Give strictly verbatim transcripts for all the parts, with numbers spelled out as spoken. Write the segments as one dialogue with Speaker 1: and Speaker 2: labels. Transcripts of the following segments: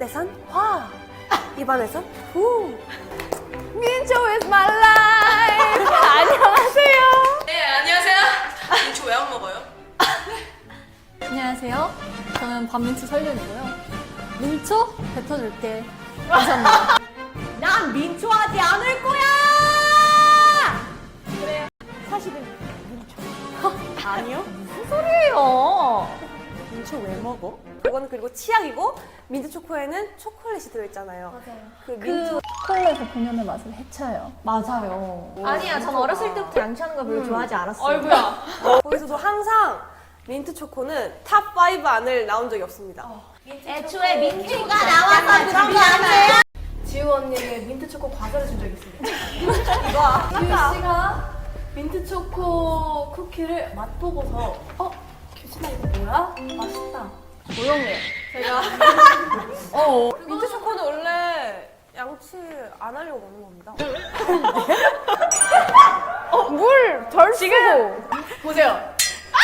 Speaker 1: 그때선 화, 입안에선 후.
Speaker 2: 민초 is my life. 안녕하세요.
Speaker 1: 네, 안녕하세요. 민초 왜 안 먹어요?
Speaker 2: 안녕하세요. 저는 반민초 설련이고요. 민초 뱉어줄게. 감사합니다.
Speaker 3: 난 민초하지 않을 거야!
Speaker 2: 그래요. 사실은 민초.
Speaker 3: 아니요?
Speaker 2: 무슨 소리예요?
Speaker 3: 민초 왜 먹어?
Speaker 1: 이거는 그리고 치약이고 민트 초코에는 초콜릿이 들어있잖아요.
Speaker 2: 맞아요.
Speaker 1: 그
Speaker 2: 그
Speaker 1: 민초
Speaker 2: 초콜릿의 본연의 맛을 해쳐요.
Speaker 3: 맞아요.
Speaker 4: 아니야, 전 어렸을 때부터 양치하는 걸 별로 좋아하지 않았어요.
Speaker 2: 얼굴야.
Speaker 1: 거기서도 항상 민트 초코는 탑 파이브 안을 나온 적이 없습니다.
Speaker 4: 애초에 민초가 나와서 그런 거 아니에요?
Speaker 1: 지우 언니에게 민트 초코 과자를 준 적이 있습니다.
Speaker 2: 지우 씨가 민트 초코 쿠키를 맛보고서 어? 규진아 이거 뭐야? 맛있다. 조용해. 제가 어.
Speaker 1: 민트 초코는 원래 양치 안 하려고 먹는 겁니다.
Speaker 2: 물 지금 보세요.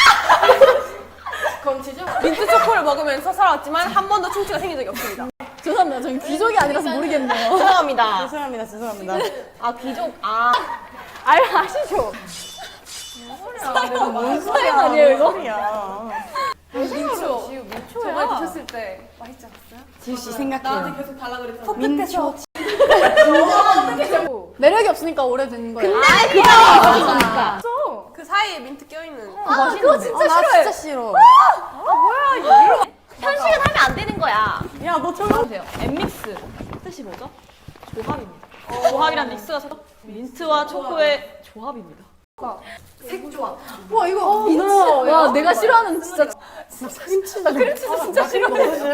Speaker 2: 검치죠?
Speaker 1: 민트 초코를 먹으면서 살아왔지만 한 번도 충치가 생긴 적이 없습니다.
Speaker 2: 죄송합니다. 저는 귀족이 아니라서 모르겠네요.
Speaker 4: 죄송합니다.
Speaker 3: 죄송합니다, 죄송합니다.
Speaker 4: 아, 귀족, 아.
Speaker 2: 알 아시죠?
Speaker 3: 뭔
Speaker 2: 소리야, 아니에요, 이거?
Speaker 3: 소리야.
Speaker 1: 민초.
Speaker 2: 지우 민초야.
Speaker 1: 저번에 드셨을 때 맛있지 않았어요?
Speaker 3: 지우씨 생각해요.
Speaker 1: 계속 달라 그랬잖아요.
Speaker 3: 민초.
Speaker 2: 매력이 없으니까 오래된 거예요.
Speaker 4: 근데 그냥
Speaker 1: 그 사이에 민트 껴있는.
Speaker 2: 아, 그거 진짜
Speaker 3: 아, 나
Speaker 2: 싫어해.
Speaker 3: 진짜 싫어.
Speaker 4: 현식은 하면 안 되는 거야.
Speaker 3: 야, 너 저거.
Speaker 5: 보세요. 엠믹스 뜻이 뭐죠? 조합입니다. 조합이란 믹스가 서 민트와 초코의 조합입니다.
Speaker 2: 와 이거 민트. 와 내가 싫어하는 진짜 진짜 크림치즈. 나 크림치즈 진짜 싫어해.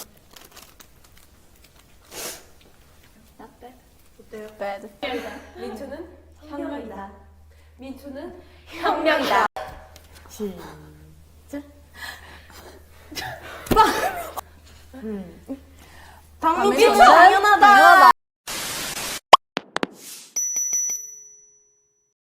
Speaker 2: bad.
Speaker 1: 민초는 혁명이다. 민초는
Speaker 4: 혁명이다.
Speaker 3: 당민초 당연하다.